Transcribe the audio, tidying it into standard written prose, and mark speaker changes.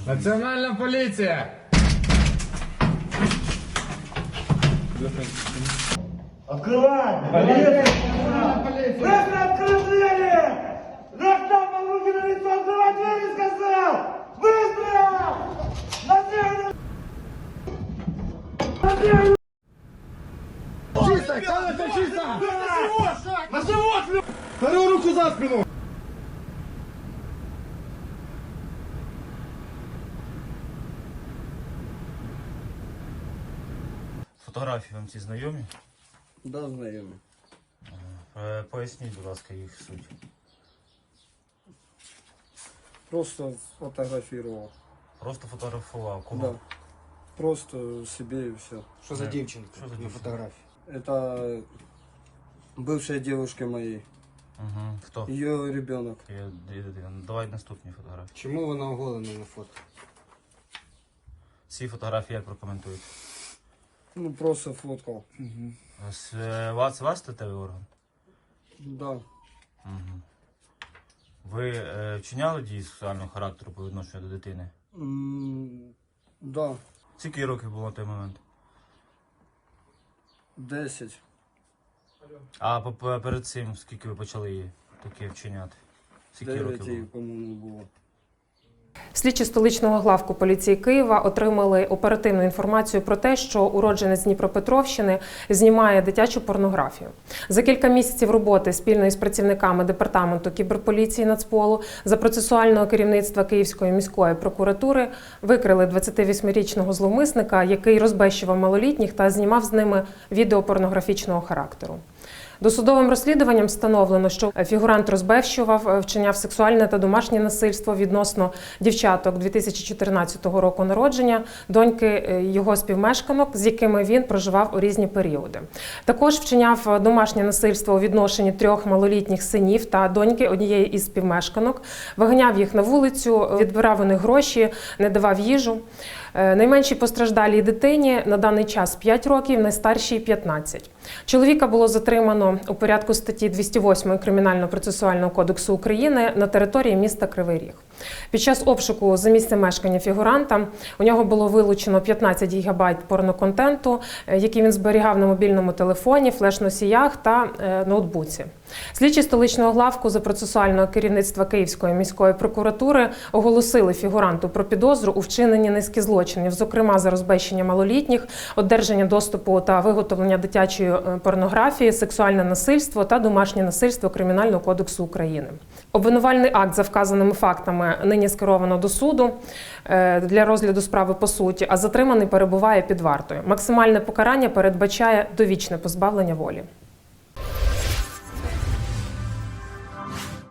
Speaker 1: Національна поліція!
Speaker 2: Открывай! Быстро открой двери! Рахтапа, руки на лицо, открывай двери, сказал! Быстро! На землю! На землю!
Speaker 1: Чисто! Камера чисто!
Speaker 2: На живот!
Speaker 1: Вторую руку за спину!
Speaker 3: Фотографії вам ці знайомі?
Speaker 4: Да, знайомі.
Speaker 3: Поясніть, будь ласка, їх суть.
Speaker 4: Просто фотографировал.
Speaker 3: Просто фотографував. Кого?
Speaker 4: Да. Просто себе и все.
Speaker 5: Что за девчонка
Speaker 3: Что за
Speaker 5: на
Speaker 3: девчонка?
Speaker 5: фотографии?
Speaker 4: Это бывшая девушка моей.
Speaker 3: Угу. Хто?
Speaker 4: Ее ребенок.
Speaker 3: Давай наступні фотографії.
Speaker 5: Чему вона оголена на фото?
Speaker 3: Ці фотографії як прокоментують?
Speaker 4: Ну, просто фоткал.
Speaker 3: Вас статевий орган?
Speaker 4: Да.
Speaker 3: Угу. Ви вчиняли дії сексуального характеру по відношенню до дитини?
Speaker 4: Да.
Speaker 3: Скільки років було на той момент?
Speaker 4: 10.
Speaker 3: А перед цим скільки ви почали її таке вчиняти? Скільки років
Speaker 4: 9,
Speaker 3: було?
Speaker 4: по-моєму, було.
Speaker 6: Слідчі столичного главку поліції Києва отримали оперативну інформацію про те, що уродженець Дніпропетровщини знімає дитячу порнографію. За кілька місяців роботи спільно із працівниками департаменту кіберполіції Нацполу за процесуального керівництва Київської міської прокуратури викрили 28-річного зловмисника, який розбещував малолітніх та знімав з ними відео порнографічного характеру. Досудовим розслідуванням встановлено, що фігурант розбещував, вчиняв сексуальне та домашнє насильство відносно дівчаток 2014 року народження, доньки його співмешканок, з якими він проживав у різні періоди. Також вчиняв домашнє насильство у відношенні 3 малолітніх синів та доньки однієї із співмешканок, виганяв їх на вулицю, відбирав у них гроші, не давав їжу. Найменшій постраждалій дитині на даний час 5 років, найстаршій – 15. Чоловіка було затримано у порядку статті 208 Кримінально-процесуального кодексу України на території міста Кривий Ріг. Під час обшуку за місцем мешкання фігуранта у нього було вилучено 15 гігабайт порноконтенту, який він зберігав на мобільному телефоні, флеш-носіях та ноутбуці. Слідчі столичного главку за процесуального керівництва Київської міської прокуратури оголосили фігуранту про підозру у вчиненні низки злочинів, зокрема за розбещення малолітніх, одержання доступу та виготовлення дитячої порнографії, сексуальне насильство та домашнє насильство Кримінального кодексу України. Обвинувальний акт за вказаними фактами нині скеровано до суду для розгляду справи по суті, а затриманий перебуває під вартою. Максимальне покарання передбачає довічне позбавлення волі.